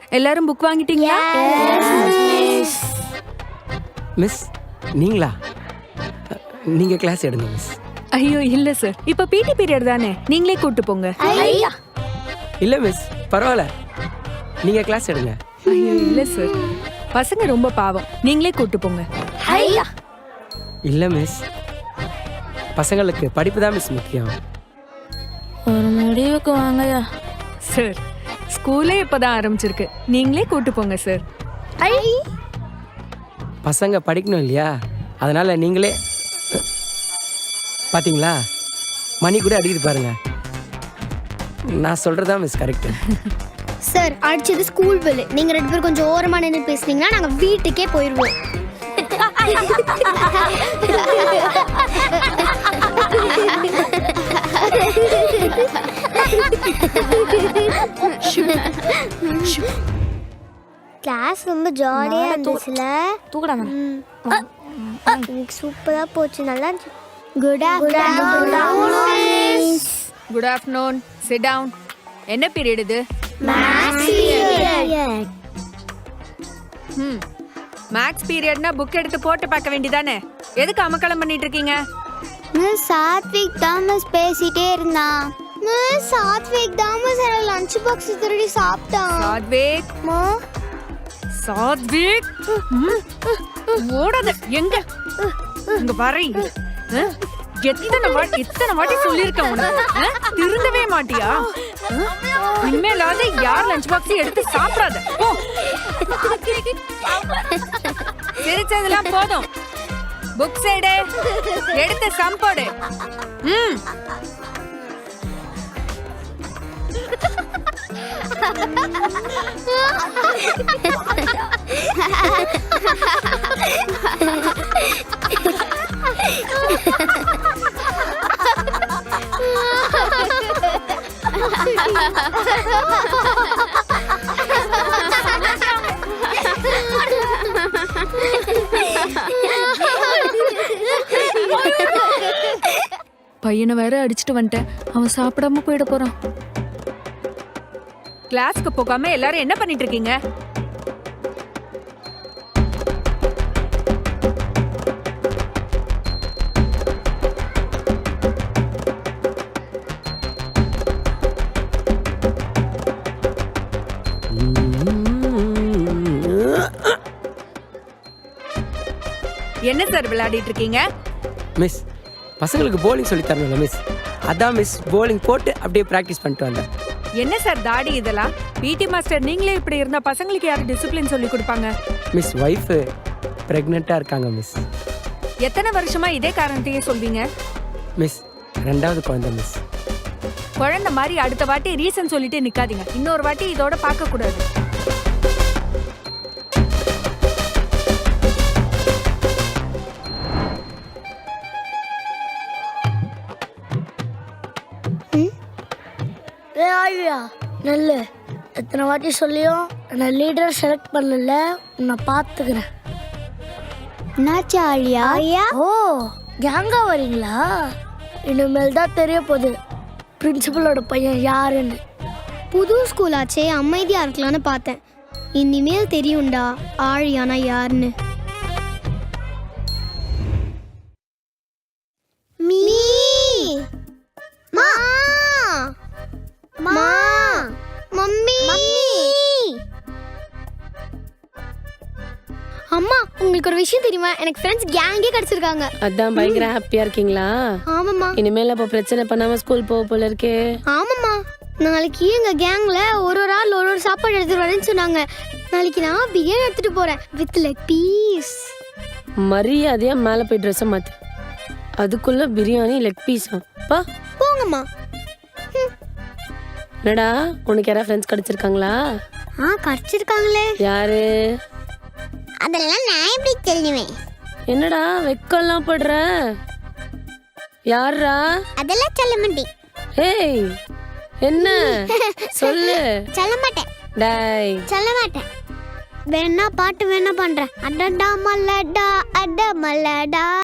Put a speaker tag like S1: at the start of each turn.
S1: எல்லாரும் புக் வாங்கிட்டீங்களா?
S2: மிஸ் நீங்களா? நீங்க கிளாஸ் எடுங்க மிஸ்.
S1: ஐயோ இல்ல சார், இப்ப பிடி பீரியட் தானே, நீங்களே கூட்டு போங்க.
S2: இல்ல மிஸ் பரவாயில்ல, நீங்க கிளாஸ் எடுங்க.
S1: ஐயோ இல்ல சார், பசங்க ரொம்ப பாவம், நீங்களே கூட்டு போங்க.
S2: இல்ல மிஸ், பசங்களுக்கு படிப்பு தான் மிஸ் முக்கியம்.
S3: ஒரு முடிவுக்கு வாங்கயா.
S1: சார் ஸ்கூலே இப்பதான் ஆரம்பிச்சிருக்கு, நீங்களே கூட்டு போங்க சார்.
S2: பசங்க படிக்கணும் இல்லையா, அதனால நீங்களே. பாத்தீங்களா மணி கூட அடிக்குது பாருங்க. நான் சொல்றதா மிஸ் கரெக்ட்.
S4: சார் அடிச்சது ஸ்கூல் பெல். நீங்க 2 பேரும் கொஞ்சம் ஓரமா நின்று பேசுனீங்கன்னா நாங்க வீட்டுக்கே போயிடுவோம். கிளாஸ் ரொம்ப ஜாலியா இருந்துச்சுல.
S3: தூக்கடா.
S4: சூப்பரா போச்சு, நல்லா இருந்துச்சு. Good afternoon.
S1: Good afternoon, sit down. என்ன பீரியட் இது? மேக்ஸ் பீரியட்னா புக் எடுத்து போட்டு பார்க்க வேண்டியதானே, எதுக்கு அமக்கலம் பண்ணிட்டு இருக்கீங்க?
S4: மிஸ் சாத்விக் தான் மிஸ் பேசிட்டே இருந்தான். மிஸ் சாத்விக் தான் மிஸ் லஞ்ச் பாக்ஸ் திருடி சாப்பிட்டான்.
S1: சாத்விக், சாத்விக் ஓடாத, எங்க இங்க வரீங்க? எத்தனை வாட்டி சொல்லிருக்கேன் உனக்கு, திருந்தவே மாட்டியா? இனிமேலாவது யார் லஞ்ச் பாக்ஸ் எடுத்து சாப்பிடாத. சிரிச்சதெல்லாம் போதும், புக் சைடு எடுத்து சம்போடு. பையனை வேற அடிச்சுட்டு வந்துட்டேன், அவன் சாப்பிடாம போயிட போறான். கிளாஸ்க்கு போகாம எல்லாரும் என்ன பண்ணிட்டு இருக்கீங்க? என்ன சார் விளையாடிட்டு இருக்கீங்க?
S2: மிஸ் பசங்களுக்கு போலிங் சொல்லி தரணும்ல மிஸ், அதான் மிஸ் போலிங் போட்டு அப்படியே பிராக்டிஸ் பண்ணிட்டு வந்தேன்.
S1: என்ன சார் தாடி இதெல்லாம்? பிடி மாஸ்டர் நீங்களே இப்படி இருந்தா பசங்களுக்கு யாரு டிசிப்ளின் சொல்லி கொடுப்பாங்க?
S2: மிஸ் வைஃப் பிரெக்னெண்டா இருக்காங்க மிஸ்.
S1: எத்தனை வருஷமா இதே காரணத்தையே சொல்வீங்க?
S2: மிஸ் 2வது குழந்தை மிஸ்.
S1: குழந்தை மாதிரி அடுத்த வாட்டி ரீசன் சொல்லிட்டு நிக்காதீங்க, இன்னொரு வாட்டி இதோட பார்க்க கூடாது.
S3: நல்ல எத்தனை வாட்டி சொல்லியும் நான் லீடர் செலக்ட் பண்ணல, உன்னை பார்த்துக்கிறேன்.
S4: என்னாச்சு ஆழியா?
S3: ஓ கேங்கா வரீங்களா? இனிமேல் தான் தெரிய போகுது பிரின்சிபலோட பையன் யாருன்னு.
S4: புது ஸ்கூல் ஆச்சே, அமைதியா இருக்கலாம்னு பார்த்தேன். இனிமேல் தெரியும்டா ஆழியானா யாருன்னு. மீ மா மா மம்மி அம்மா, உங்களுக்கு ஒரு விஷயம் தெரியுமா? எனக்கு ஃப்ரெண்ட்ஸ் கேங்கே கிடைச்சிருக்காங்க.
S5: அதான் பயங்கர ஹாப்பியா இருக்கீங்களா?
S4: ஆமாம்மா.
S5: இனிமேல் அப்போ பிரச்சனை பண்ணாம ஸ்கூல் போக போல இருக்கே.
S4: ஆமாம்மா, நாளைக்கு எங்க கேங்ல ஒரு ஆள் ஒரு சாப்பாடு எடுத்துட்டு வரேன்னு சொன்னாங்க. நாளைக்கு நான் பிரியாணி எடுத்துட்டு போறேன் வித் லெக் பீஸ்.
S5: மரியாதையா மேல போய் ட்ரெஸ் மாத்து, அதுக்குள்ள பிரியாணி லெக் பீஸா? பா
S4: போங்கம்மா.
S5: என்னடா உனக்கு யாரா ஃப்ரெண்ட்ஸ் கிடைச்சிருக்காங்களா?
S4: கிடைச்சிருக்காங்களே.
S5: யாரு?
S4: அதெல்லாம் நான் எப்படி தெரியுவேன்?
S5: என்னடா வெக்கம்லாம் படுற? யாரா?
S4: அதெல்லாம் சொல்ல மாட்டேன்.
S5: ஏய் என்ன சொல்லு.
S4: சொல்ல மாட்டேன்.
S5: டேய்
S4: சொல்ல மாட்டேன். வேணா பாட்டு வேணா பண்றேன். அடடா மல்லடா அட மல்லடா.